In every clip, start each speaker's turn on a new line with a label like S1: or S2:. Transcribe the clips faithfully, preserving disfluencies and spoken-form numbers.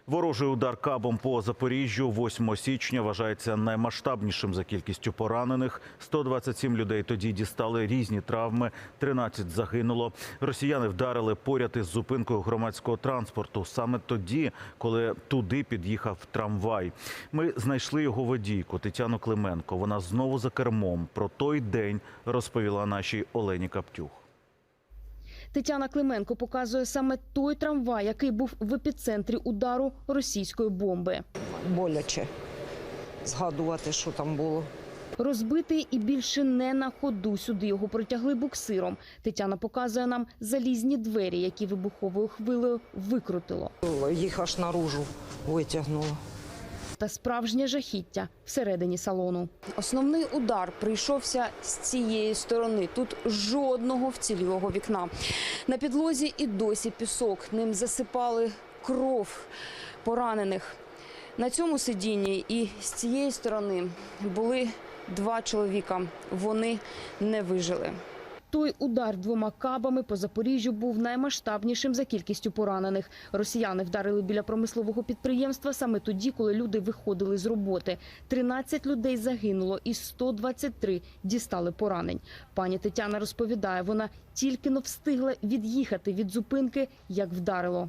S1: Ворожий удар кабом по Запоріжжю восьмого січня вважається наймасштабнішим за кількістю поранених. сто двадцять сім людей тоді дістали різні травми, тринадцять загинуло. Росіяни вдарили поряд із зупинкою громадського транспорту. Саме тоді, коли туди під'їхав трамвай. Ми знайшли його водійку Тетяну Клименко. Вона знову за кермом. Про той день розповіла нашій Олені Каптюх.
S2: Тетяна Клименко показує саме той трамвай, який був в епіцентрі удару російської бомби.
S3: Боляче згадувати, що там було.
S2: Розбитий і більше не на ходу. Сюди його протягли буксиром. Тетяна показує нам залізні двері, які вибуховою хвилею викрутило.
S3: Їх аж наружу витягнуло.
S2: Та справжнє жахіття всередині салону. Основний удар прийшовся з цієї сторони. Тут жодного вцілілого вікна. На підлозі і досі пісок. Ним засипали кров поранених. На цьому сидінні і з цієї сторони були два чоловіка. Вони не вижили. Той удар двома кабами по Запоріжжю був наймасштабнішим за кількістю поранених. Росіяни вдарили біля промислового підприємства саме тоді, коли люди виходили з роботи. тринадцять людей загинуло і сто двадцять три дістали поранень. Пані Тетяна розповідає, вона тільки-но встигла від'їхати від зупинки, як вдарило.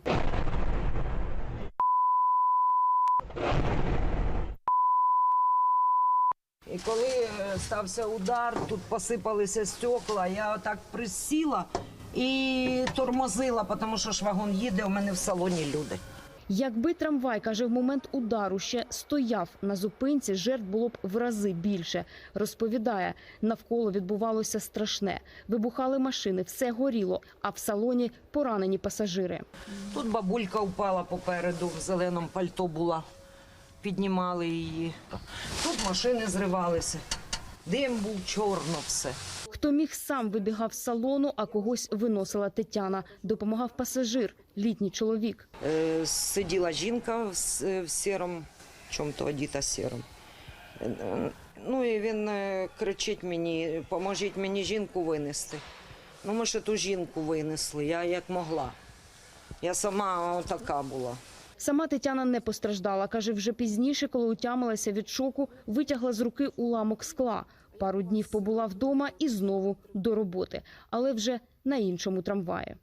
S3: І коли стався удар, тут посипалися стекла, я отак присіла і тормозила, тому що ж вагон їде, у мене в салоні люди.
S2: Якби трамвай, каже, в момент удару ще стояв на зупинці, жертв було б в рази більше. Розповідає, навколо відбувалося страшне. Вибухали машини, все горіло, а в салоні поранені пасажири.
S3: Тут бабулька впала попереду, в зеленому пальто була. Піднімали її. Тут машини зривалися. Дим був, чорно все.
S2: Хто міг, сам вибігав з салону, а когось виносила Тетяна. Допомагав пасажир, літній чоловік.
S3: Е, сиділа жінка в, с- в сірому, чому-то одіта сіром. Е, ну і він е, кричить мені, поможіть мені жінку винести. Ну ми ще ту жінку винесли, я як могла. Я сама така була.
S2: Сама Тетяна не постраждала. Каже, вже пізніше, коли утямилася від шоку, витягла з руки уламок скла. Пару днів побула вдома і знову до роботи. Але вже на іншому трамваї.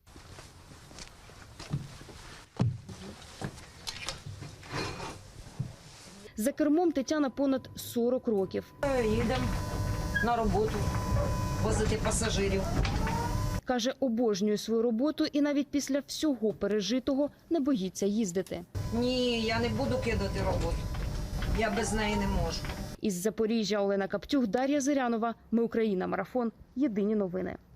S2: За кермом Тетяна понад сорок років.
S3: Е, Їдемо на роботу, возити пасажирів.
S2: Каже, обожнює свою роботу і навіть після всього пережитого не боїться їздити.
S3: Ні, я не буду кидати роботу. Я без неї не можу.
S2: Із Запоріжжя Олена Каптюх, Дар'я Зирянова. Ми Україна. Марафон. Єдині новини.